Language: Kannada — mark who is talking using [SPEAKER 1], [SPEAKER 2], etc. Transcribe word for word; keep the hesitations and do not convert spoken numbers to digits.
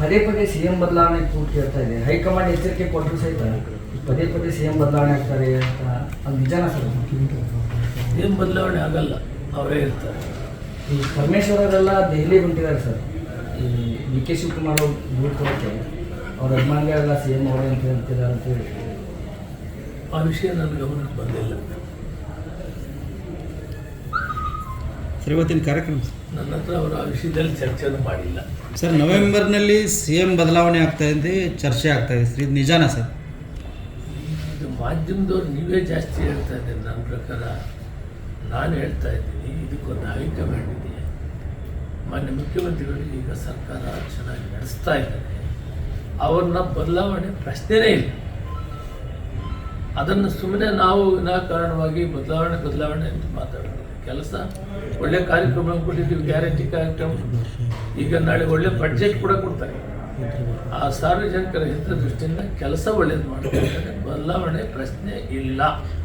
[SPEAKER 1] ಪದೇ ಪದೇ ಸಿ ಎಂ ಬದಲಾವಣೆ ಕೂಟ್ ಕೇಳ್ತಾ ಇದೆ. ಹೈಕಮಾಂಡ್ ಎಚ್ಚರಿಕೆ ಕೊಟ್ಟರು ಸಹಿತ ಪದೇ ಪದೇ ಸಿ ಎಂ ಬದಲಾವಣೆ ಆಗ್ತಾರೆ ಅಂತ, ಅದು ನಿಜಾನ ಸರ್?
[SPEAKER 2] ಸಿ ಎಂ ಬದಲಾವಣೆ ಆಗಲ್ಲ, ಅವರೇ ಇರ್ತಾರೆ.
[SPEAKER 1] ಈ ಪರಮೇಶ್ವರ್ ಅವರೆಲ್ಲ ದೆಹಲಿ ಹೊಂಟಿದ್ದಾರೆ ಸರ್. ಈ ಡಿ ಕೆ ಶಿವಕುಮಾರ್ ಅವ್ರು ದೂರ ಕೊಡೋಕ್ಕೆ ಅವ್ರ ಅಭಿಮಾನಿಗಳೆಲ್ಲ ಸಿ ಎಂ ಅವರೇ ಅಂತ ಹೇಳ್ತಿದ್ದಾರೆ ಅಂತ ಹೇಳಿ.
[SPEAKER 2] ಆ ವಿಷಯ ನನ್ನ ಗಮನಕ್ಕೆ ಬಂದಿಲ್ಲ.
[SPEAKER 3] ಸರ್, ಇವತ್ತಿನ ಕಾರ್ಯಕ್ರಮ
[SPEAKER 2] ನನ್ನ ಹತ್ರ ಅವರು ಆ ವಿಷಯದಲ್ಲಿ ಚರ್ಚೆನೂ ಮಾಡಿಲ್ಲ.
[SPEAKER 3] ಸರ್, ನವೆಂಬರ್ನಲ್ಲಿ ಸಿ ಎಂ ಬದಲಾವಣೆ ಆಗ್ತಾ ಇದೆ, ಚರ್ಚೆ ಆಗ್ತಾ ಇದೆ ಸರ್, ಇದು ನಿಜಾನಾ ಸರ್?
[SPEAKER 2] ಇದು ಮಾಧ್ಯಮದವ್ರು ನೀವೇ ಜಾಸ್ತಿ ಹೇಳ್ತಾ ಇದ್ದೀರಿ. ನನ್ನ ಪ್ರಕಾರ ನಾನು ಹೇಳ್ತಾ ಇದ್ದೀನಿ, ಇದಕ್ಕೊಂದು ಹೈಕಮಾಂಡ್ ಇದೆ. ಮಾನ್ಯ ಮುಖ್ಯಮಂತ್ರಿಗಳು ಈಗ ಸರ್ಕಾರ ಚೆನ್ನಾಗಿ ನಡೆಸ್ತಾ ಇದ್ದಾರೆ. ಅವ್ರನ್ನ ಬದಲಾವಣೆ ಪ್ರಶ್ನೆನೇ ಇಲ್ಲ. ಅದನ್ನು ಸುಮ್ಮನೆ ನಾವು ವಿನಾಕಾರಣವಾಗಿ ಬದಲಾವಣೆ ಬದಲಾವಣೆ ಅಂತ ಮಾತಾಡೋದು ಕೆಲಸ. ಒಳ್ಳೆ ಕಾರ್ಯಕ್ರಮ ಕೊಟ್ಟಿದ್ದೀವಿ, ಗ್ಯಾರಂಟಿ ಕಾರ್ಯಕ್ರಮ. ಈಗ ನಾಳೆ ಒಳ್ಳೆ ಬಡ್ಜೆಟ್ ಕೂಡ ಕೊಡ್ತಾರೆ. ಆ ಸಾರ್ವಜನಿಕರ ಹಿತದೃಷ್ಟಿಯಿಂದ ಕೆಲಸ ಒಳ್ಳೇದು ಮಾಡ್ತಾರೆ. ಬದಲಾವಣೆ ಪ್ರಶ್ನೆ ಇಲ್ಲ.